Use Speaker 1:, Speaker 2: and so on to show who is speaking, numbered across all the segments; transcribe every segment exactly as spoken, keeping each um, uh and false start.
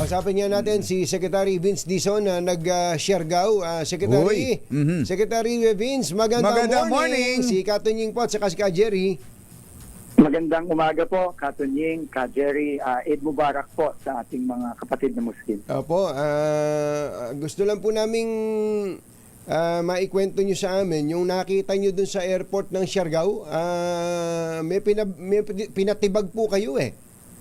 Speaker 1: Kausapin niya natin si Secretary Vince Dizon na nag-Siargao. Uh, Secretary,
Speaker 2: mm-hmm.
Speaker 1: Secretary Vince, magandang,
Speaker 2: magandang
Speaker 1: morning.
Speaker 2: morning.
Speaker 1: Si Katunying po at saka si Ka Jerry.
Speaker 3: Magandang umaga po, Katunying, Ka Jerry, uh, Eid Mubarak po sa ating mga kapatid na Muslim.
Speaker 1: Opo, uh, gusto lang po naming uh, maikwento nyo sa amin yung nakita nyo dun sa airport ng Siargao. Uh, may, pinab- may pinatibag po kayo eh.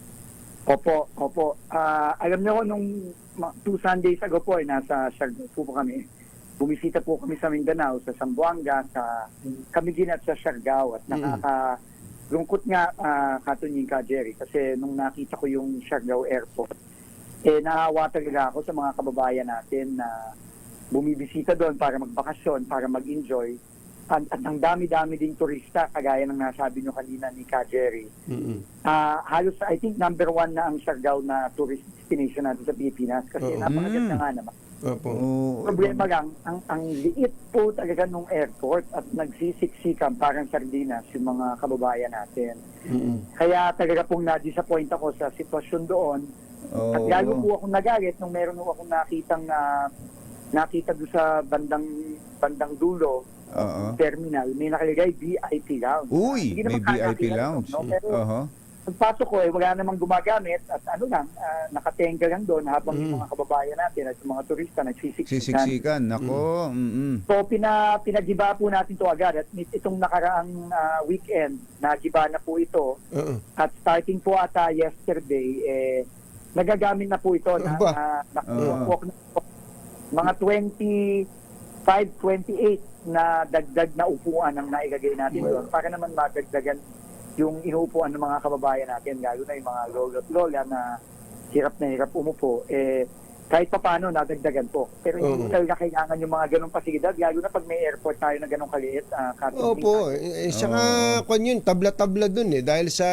Speaker 3: Opo, opo. Uh, alam niyo, nung two Sundays ago po, eh, nasa Siargao po, po kami. Bumisita po kami sa Mindanao, sa Zamboanga, sa Camiguin at sa Siargao. At nakaka... Mm-hmm. Lungkot nga, uh, Katunying, Ka Jerry, kasi nung nakita ko yung Siargao Airport, eh naawa talaga ako sa mga kababayan natin na bumibisita doon para magbakasyon, para mag-enjoy. At, at ang dami-dami ding turista, kagaya ng nasabi nyo kanina ni Ka Jerry. Mm-hmm. Uh, halos, I think, number one na ang Siargao na tourist destination natin sa Pilipinas kasi uh-huh. napakaganda nga naman.
Speaker 1: Uh-huh.
Speaker 3: Problema lang, ang, ang liit po talaga nung airport at nagsisiksikan parang sardinas yung mga kababayan natin. Mm-hmm. Kaya talaga pong na-disappoint ako sa sitwasyon doon. Oh. At lalo po akong nagalit nung meron po akong nakitang uh, nakita doon sa bandang bandang dulo, uh-huh. terminal, may nakalagay V I P Lounge.
Speaker 2: Uy, may V I P Lounge.
Speaker 3: No? Pero,
Speaker 2: uh-huh.
Speaker 3: pagpasok ko, eh, wala namang gumagamit at ano lang, uh, nakatenga lang doon habang mm. yung mga kababayan natin at yung mga turista nagsisiksikan.
Speaker 2: Sisiksikan, nako. Mm. Mm-hmm.
Speaker 3: So, pina, pinagiba po natin to agad at itong nakaraang uh, weekend, nagiba na po ito. Uh-uh. At starting po ata yesterday, eh, nagagamit na po ito na, na, na, uh-huh. na mga twenty-five, twenty-eight na dagdag na upuan ang nailagay natin doon para naman madagdagan yung inuupuan ng mga kababayan natin, lalo na yung mga lolo at lola na hirap na hirap umupo, eh, kahit pa paano, nadagdagan po. Pero hindi uh-huh. talaga kailangan yung mga ganong pasilidad, lalo na pag may airport tayo na ganong kaliit. Uh,
Speaker 1: Opo, eh, saka uh-huh. kung yun, tabla-tabla dun eh, dahil sa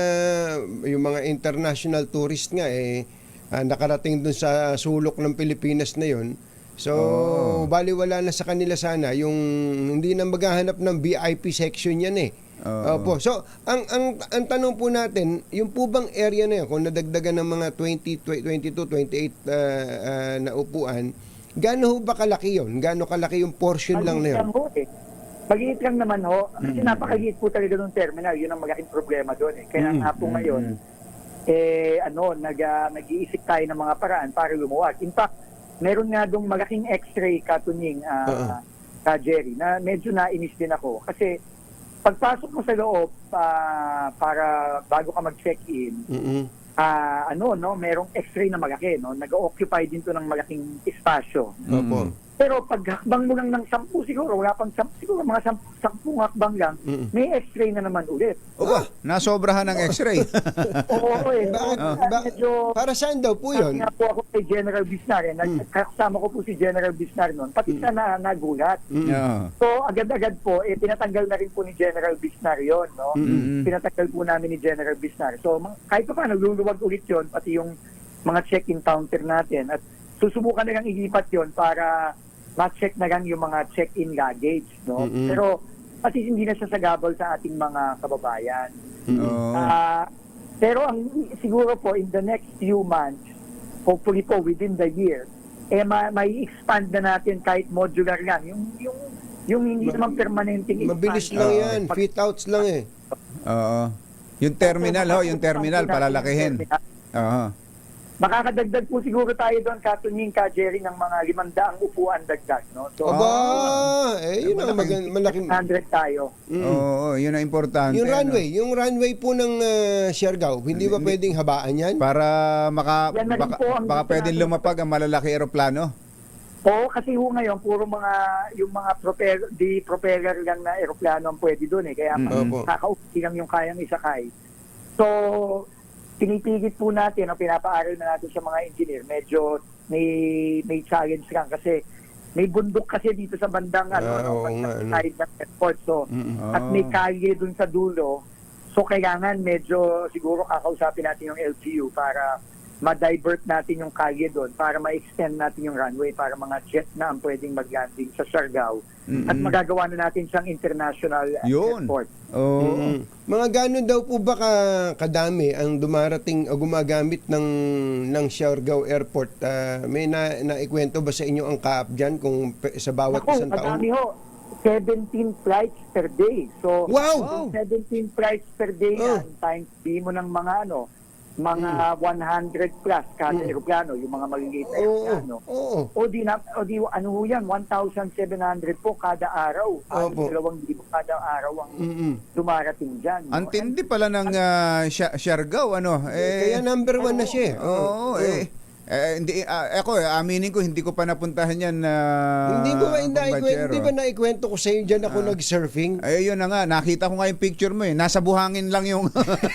Speaker 1: yung mga international tourist nga eh, uh, nakarating dun sa sulok ng Pilipinas na yun. So, oh. baliwala na sa kanila sana yung hindi na maghahanap ng V I P section yan eh. Uh, Opo. So, ang, ang ang tanong po natin, yung po bang area na yun, kung nadagdagan ng mga twenty, twenty-two, twenty-eight uh, uh, na upuan, gaano ho ba kalaki yun? Gaano kalaki yung portion
Speaker 3: Mag-iit
Speaker 1: lang na yun?
Speaker 3: Lang eh. Mag-iit lang naman ho. Kasi mm-hmm. napakaliit po talaga ng terminal. Yun ang malaking problema doon eh. Kaya mm-hmm. nga po ngayon, eh, ano, nag, uh, nag-iisip tayo ng mga paraan para lumuwag. In fact, meron nga doong malaking x-ray, Katunying, uh, uh-huh. Ka Jerry, na medyo nainis din ako. Kasi, pagpasok mo sa loob uh, para bago ka mag-check-in, mm-hmm. uh, ano, no, merong x-ray na malaki, no? Nag-occupy din to ng malaking espasyo.
Speaker 1: Mm-hmm.
Speaker 3: Pero pag hakbang mo lang ng sampu siguro, wala pang sampu, siguro mga sampu, sampung hakbang lang, mm-hmm. may x-ray na naman ulit.
Speaker 2: Oba, ah, nasobrahan ng x-ray.
Speaker 3: Oo, eh.
Speaker 1: Bakit?
Speaker 3: Uh,
Speaker 1: ba-
Speaker 3: medyo,
Speaker 1: para saan daw po yun?
Speaker 3: Nga po ako kay General Bisnar. Eh. Mm. Kasama ko po si General Bisnar noon. Pati mm. siya na nagulat. Mm. Yeah. So, agad-agad po, eh, pinatanggal na rin po ni General Bisnar yun. No? Mm-hmm. Pinatanggal po namin ni General Bisnar. So, kahit pa pa, nagluluwag ulit yun, pati yung mga check-in counter natin. At susubukan na lang ilipat yun para ma-check na lang yung mga check-in luggage. No? Mm-hmm. Pero, kasi hindi na siya sagabal sa ating mga kababayan. Mm-hmm. Uh, pero ang siguro po, in the next few months, hopefully po within the year, eh ma- may expand na natin kahit modular lang. Yung, yung, yung hindi Ma- naman permanenteng expand.
Speaker 1: Mabilis lang uh, yan. Pag- fit outs lang eh.
Speaker 2: Oo. Yung terminal, ho, yung terminal, palalakihin. Oo.
Speaker 3: Makakadagdag po siguro tayo doon, Katunying, Ka Jerry, ng mga limandaang upuan dagdag, no? So,
Speaker 1: aba, oh, eh, yun ang mag- malaking...
Speaker 3: one hundred tayo.
Speaker 2: Mm. Oo, yun ang importante.
Speaker 1: Yung runway, no? Yung runway po ng uh, Siargao, hindi ba pwedeng habaan yan?
Speaker 2: Para maka, baka, baka pwedeng lumapag ang malalaki aeroplano?
Speaker 3: Oo, kasi ho ngayon, puro mga, yung mga propeller, di propeller lang na aeroplano ang pwede doon eh. Kaya mm-hmm. kakaupi lang yung kayang isakay. So, pinipigit po natin o pinapaaral na natin sa mga engineer, medyo may may challenge lang kasi may bundok kasi dito sa bandang uh, ano, oh, bandang nga, side ng airport. So, mm-hmm. at may kalye dun sa dulo. So, kailangan medyo siguro kakausapin natin yung L G U para ma-divert natin yung kalye doon para ma-extend natin yung runway para mga jet na ang pwedeng mag-landing sa Siargao at magagawa na natin siyang international uh,
Speaker 2: Yun.
Speaker 3: airport.
Speaker 2: Oo.
Speaker 1: Mm. Mga gano'n daw po ba ka, kadami ang dumarating o gumagamit ng ng Siargao Airport? Ah, may na, naikwento ba sa inyo ang kaap dyan kung pe- sa bawat
Speaker 3: Ako,
Speaker 1: isang taon?
Speaker 3: madami ho. seventeen flights per day. So,
Speaker 1: Wow!
Speaker 3: kung seventeen flights per day
Speaker 1: Oh.
Speaker 3: yan, times B mo ng mga ano, mga one hundred plus kada eroplano, yung mga maliliit na
Speaker 1: Oo.
Speaker 3: eroplano.
Speaker 1: Oo.
Speaker 3: O di, na, o di ano ho yan, one thousand seven hundred po kada araw. Ano,
Speaker 1: Opo.
Speaker 3: dalawang libo kada araw ang
Speaker 1: Mm-mm.
Speaker 3: dumarating dyan. no?
Speaker 2: Ang tindi pala ng uh, Siargao, ano? Eh,
Speaker 1: Kaya number one na siya. eh.
Speaker 2: Oo, eh. Eh, hindi, ah, ako, eh, aminin ko, hindi ko pa napuntahan yan na
Speaker 1: Hindi ko ba naikwento,
Speaker 2: Bombachero.
Speaker 1: hindi ba naikwento ko sa iyo diyan ako nag-surfing?
Speaker 2: Ay, yun na nga, nakita ko nga yung picture mo eh. Nasa buhangin lang yung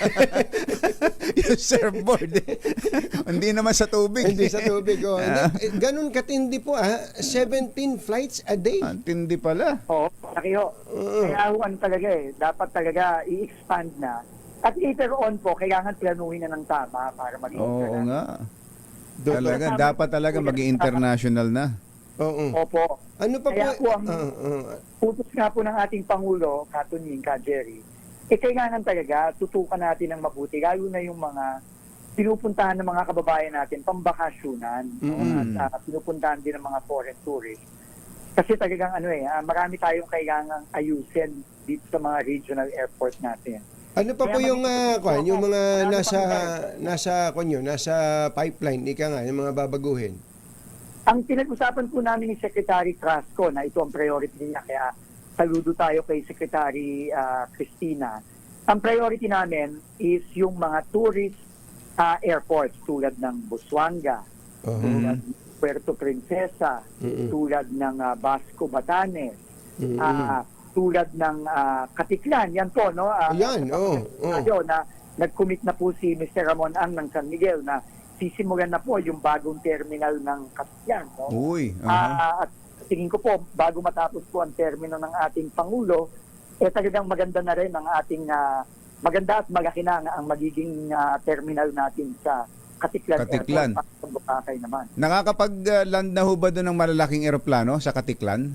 Speaker 2: yung surfboard eh. Hindi naman sa tubig.
Speaker 1: Hindi sa tubig. Oh. Hindi, eh, ganun katindi po ah. seventeen flights a day.
Speaker 2: Ang tindi pala.
Speaker 3: Oo, laki ho. Kaya ho, ano talaga eh, dapat talaga i-expand na. At later on po, kailangan planuhin na ng tama para maging
Speaker 2: Oo
Speaker 3: international.
Speaker 2: nga.
Speaker 1: Doktor.
Speaker 2: Talaga, dapat talaga maging international na.
Speaker 1: Oo.
Speaker 3: Opo.
Speaker 1: Ano pa
Speaker 3: Kaya
Speaker 1: po?
Speaker 3: po ang
Speaker 1: Ah, ah.
Speaker 3: utos nga po ng ating Pangulo, Katunying, Ka Jerry, eh kailangan talaga tutukan natin ng mabuti, lalo na yung mga pinupuntahan ng mga kababayan natin, pambakasyunan, no?
Speaker 2: Mm.
Speaker 3: At uh, pinupuntahan din ng mga foreign tourists. Kasi talagang ano eh, ah, marami tayong kailangang ayusin dito sa mga regional airport natin.
Speaker 1: Ano pa
Speaker 3: Kaya
Speaker 1: po yung
Speaker 3: magiging-
Speaker 1: ah, kwan, yung mga
Speaker 3: Ano
Speaker 1: nasa
Speaker 3: pang-
Speaker 1: nasa kwan yun, nasa pipeline ika nga yung mga babaguhin.
Speaker 3: Ang pinag-usapan po namin ni Secretary Crasco na ito ang priority niya, kaya saludo tayo kay Secretary ah, Cristina. Ang priority namin is yung mga tourist ah, airports tulad ng Busuanga,
Speaker 1: Oo.
Speaker 3: tulad ng Puerto Princesa,
Speaker 1: Mm-mm.
Speaker 3: tulad ng ah, Basco Batanes,
Speaker 1: Mm-mm.
Speaker 3: ah, tulad ng ah, Katiklan. Yan po, no? Ah,
Speaker 1: Ayan, oo, oo.
Speaker 3: tayo na nag-commit na po si Mister Ramon Ang ng San Miguel na sisimulan na po yung bagong terminal ng Katiklan. No?
Speaker 2: Uy. aha.
Speaker 3: Ah, at tingin ko po, bago matapos po ang termino ng ating Pangulo, eh talagang maganda na rin ang ating, ah, maganda at malaki na ang magiging ah, terminal natin sa Katiklan.
Speaker 2: Katiklan.
Speaker 3: Airport, sa Bukakay naman.
Speaker 2: Nakakapag-land na ho ba doon ng malalaking eroplano sa Katiklan?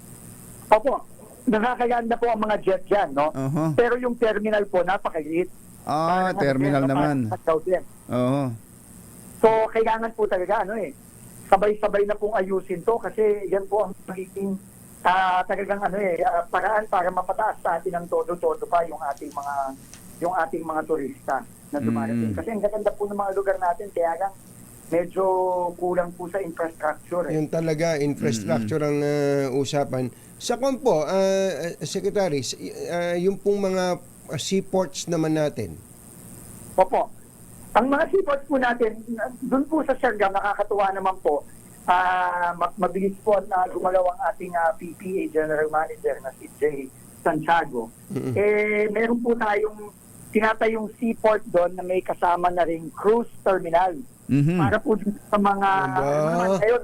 Speaker 3: Opo, nakakaganda po ang mga jet dyan, no?
Speaker 2: Oho.
Speaker 3: Pero yung terminal po, napakaliit.
Speaker 2: Ah,
Speaker 3: Parang
Speaker 2: terminal
Speaker 3: ano,
Speaker 2: naman.
Speaker 3: parang South din.
Speaker 2: Oo.
Speaker 3: So, kailangan po talaga, ano eh, sabay-sabay na pong ayusin to kasi yan po ang magiging ah, talagang ano eh, ah, paraan para mapataas sa atin ng todo-todo pa yung ating mga yung ating mga turista na dumarating.
Speaker 2: Mm.
Speaker 3: Kasi ang gaganda po ng mga lugar natin, kaya lang medyo kulang po sa infrastructure. Eh.
Speaker 1: Yun talaga, infrastructure ang ah, usapan. Sa kwan po, ah, Secretary, s- ah, yung pong mga ah, seaports naman natin.
Speaker 3: Opo. Ang mga seaports po natin, doon po sa Siargao, nakakatuwa naman po, ah, ma- mabilis po na gumalaw ang ating ah, P P A General Manager na si Jay Santiago.
Speaker 1: Mm-mm.
Speaker 3: Eh, meron po tayong tinatayong seaport doon na may kasama na ring cruise terminal.
Speaker 2: Mhm.
Speaker 3: Para po dun sa mga,
Speaker 1: Aba.
Speaker 3: ano naman ngayon,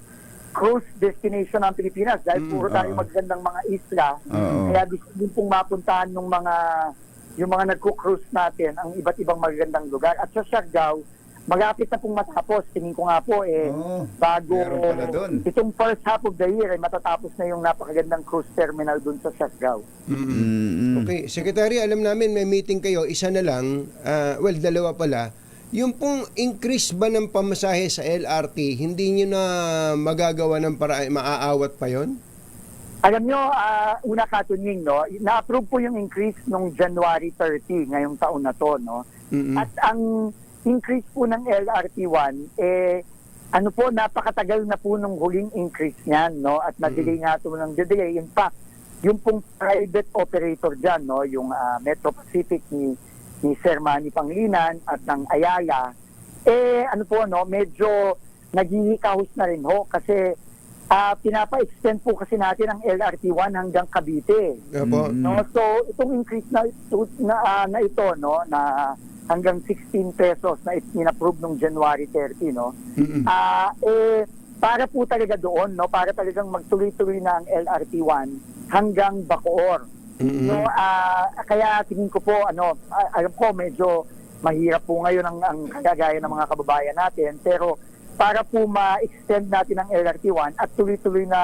Speaker 3: cruise destination ng Pilipinas dahil
Speaker 1: Mm,
Speaker 3: puro tayo
Speaker 2: oo.
Speaker 3: magandang mga isla.
Speaker 2: Oo.
Speaker 3: Kaya gusto din pong mapuntahan ng mga yung mga nagko-cruise natin ang iba't ibang magagandang lugar. At sa Siargao, malapit na pong matapos. Tingin ko nga po, eh,
Speaker 2: Oo,
Speaker 3: bago
Speaker 2: meron pala dun.
Speaker 3: itong first half of the year, eh, matatapos na yung napakagandang cruise terminal dun sa Siargao.
Speaker 2: Mm-mm.
Speaker 1: Okay, Secretary, alam namin may meeting kayo, isa na lang, ah, well, dalawa pala. Yung pong increase ba ng pamasahe sa L R T, hindi nyo na magagawa ng paraan, maaawat pa yon?
Speaker 3: Alam nyo, ah, una Katunying, no, na-approve po yung increase nung January thirtieth, ngayong taon na to, no?
Speaker 1: Mm-mm.
Speaker 3: At ang increase po ng L R T one, eh, ano po, napakatagal na po nung huling increase niyan, no? At na-delay nga ito ng delay. In fact, yung pong private operator dyan, no? Yung ah, Metro Pacific ni, ni Sir Manny Panglinan at ng Ayala, eh, ano po, no? Medyo naghihikahos na rin ho kasi ah, pinapa-extend po kasi natin ang L R T one hanggang Cavite.
Speaker 1: Apo.
Speaker 2: Mm.
Speaker 3: No, so itong increase na ito, na, ah, na ito no na hanggang sixteen pesos na in-approve nung January thirtieth, no.
Speaker 1: Mm-mm.
Speaker 3: Ah eh para po talaga doon, no, para talagang magtuloy-tuloy na ang L R T one hanggang Bacoor.
Speaker 1: Mm-mm.
Speaker 3: No, ah, kaya tingin ko po ano, ah, alam ko medyo mahirap po ngayon ang, ang kalagayan ng mga kababayan natin, pero para po ma-extend natin ang L R T one at tuloy-tuloy na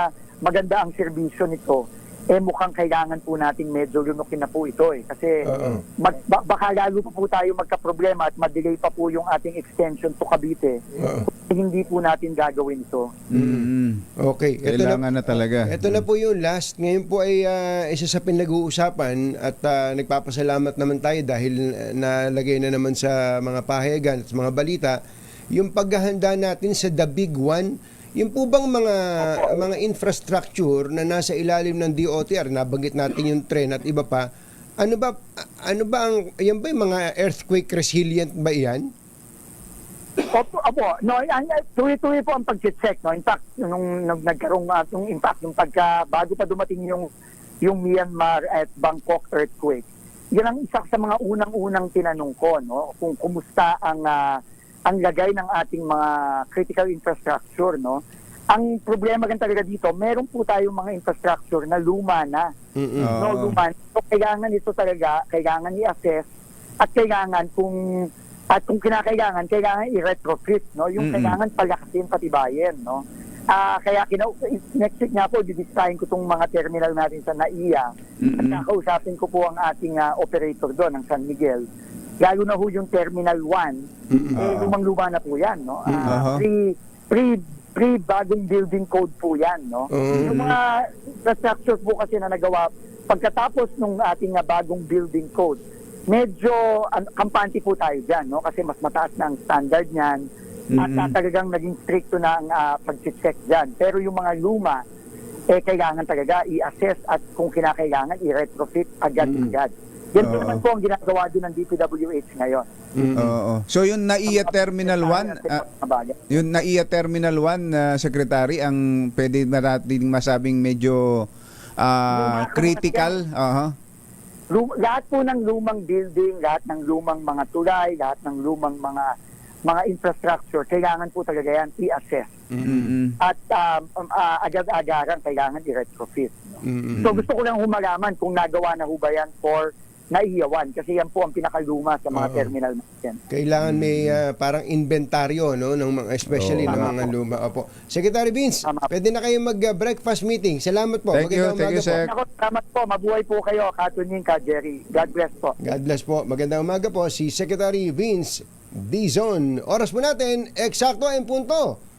Speaker 3: maganda ang serbisyo nito, eh mukhang kailangan po nating medyo lunukin na po ito eh. Kasi
Speaker 1: Oo.
Speaker 3: mag, ba- baka lalo pa po tayo magka-problema at madelay pa po yung ating extension to Cavite.
Speaker 1: Oo.
Speaker 3: Kung hindi po natin gagawin ito.
Speaker 2: Mm.
Speaker 1: Okay. Ito na,
Speaker 2: Kailangan na talaga.
Speaker 1: ito na po yung last. Ngayon po ay ah, isa sa pinag-uusapan at ah, nagpapasalamat naman tayo dahil ah, nalagay na naman sa mga pahayagan at sa mga balita yung paghahanda natin sa The Big One. Yung po bang mga mga infrastructure na nasa ilalim ng D O T R, nabanggit natin yung tren at iba pa, ano ba ano ba ang yan ba yung mga earthquake resilient ba yan?
Speaker 3: Opo, opo. No, yan, yan, tuloy-tuloy po ang pag-check, no. In fact, nung, nung nagkaroon uh, nung impact nung pagka bago pa dumating yung yung Myanmar at Bangkok earthquake. Yan ang isa sa mga unang-unang tinanong ko, no, kung kumusta ang uh, ang lagay ng ating mga critical infrastructure, no. Ang problema gan talaga dito, meron po tayong mga infrastructure na luma na.
Speaker 1: Mm-mm.
Speaker 2: Oo.
Speaker 3: No, luma. So, kailangan ito talaga, kailangan i-assess at kailangan kung at kung kinakailangan, kailangan i-retrofit, no? Yung
Speaker 2: Mm-mm.
Speaker 3: kailangan palakasin, patibayin, no? Ah, kaya kina next week nga po, bibisitahin ko tong mga terminal natin sa N A I A at
Speaker 2: Mm-mm.
Speaker 3: kakausapin ko po ang ating ah, operator doon, ang San Miguel. Lalo na ho yung Terminal one,
Speaker 1: Mm-mm.
Speaker 3: eh,
Speaker 2: Oo.
Speaker 3: lumang-luma na po yan, no?
Speaker 2: Mhm.
Speaker 3: Ah, pre, pre, pre bagong building code po yan, no?
Speaker 1: Mhm.
Speaker 3: Yung mga infrastructure po kasi na nagawa pagkatapos nung ating ah, bagong building code, medyo an, kampante po tayo dyan, no? Kasi mas mataas na ang standard niyan at
Speaker 2: Mhm.
Speaker 3: ah, talagang naging stricto na ang uh, pag-check dyan. Pero yung mga luma, eh kailangan talaga i-assess at kung kinakailangan i-retrofit agad-agad. Yan po
Speaker 2: Oo.
Speaker 3: naman po ang ginagawa din ng D P W H ngayon.
Speaker 1: Mm-mm.
Speaker 2: Oo. So yung N A I A Terminal one, ah, yung N A I A Terminal one, na Secretary, ang pwede na natin masabing medyo ah,
Speaker 3: Luma-
Speaker 2: critical. Aha.
Speaker 3: Lum- lahat po ng lumang building, lahat ng lumang mga tulay, lahat ng lumang mga mga infrastructure, kailangan po talaga yan i-assess.
Speaker 2: Mm-mm.
Speaker 3: At um, um, ah, agad-agaran kailangan i-retrofit.
Speaker 1: Mm-mm.
Speaker 3: So gusto ko lang humalaman kung nagawa na ho ba yan for naiyawan kasi yan po ang pinakaluma sa mga
Speaker 1: Oo.
Speaker 3: terminal natin.
Speaker 1: Kailangan may ah, parang inventaryo, no, ng mga especially
Speaker 2: Oo.
Speaker 1: ng
Speaker 3: Tama
Speaker 1: mga
Speaker 3: po.
Speaker 1: luma. Opo. Secretary Vince,
Speaker 3: Tama.
Speaker 1: pwede na kayo mag-breakfast meeting. Salamat po.
Speaker 2: Thank you,
Speaker 1: Magandang
Speaker 2: thank you,
Speaker 1: umaga po.
Speaker 2: sir.
Speaker 3: Ako, salamat po. Mabuhay po kayo, Katunying, Ka Jerry. God bless po.
Speaker 1: God bless po. Magandang umaga po si Secretary Vince Dizon. Oras po natin, eksakto en punto.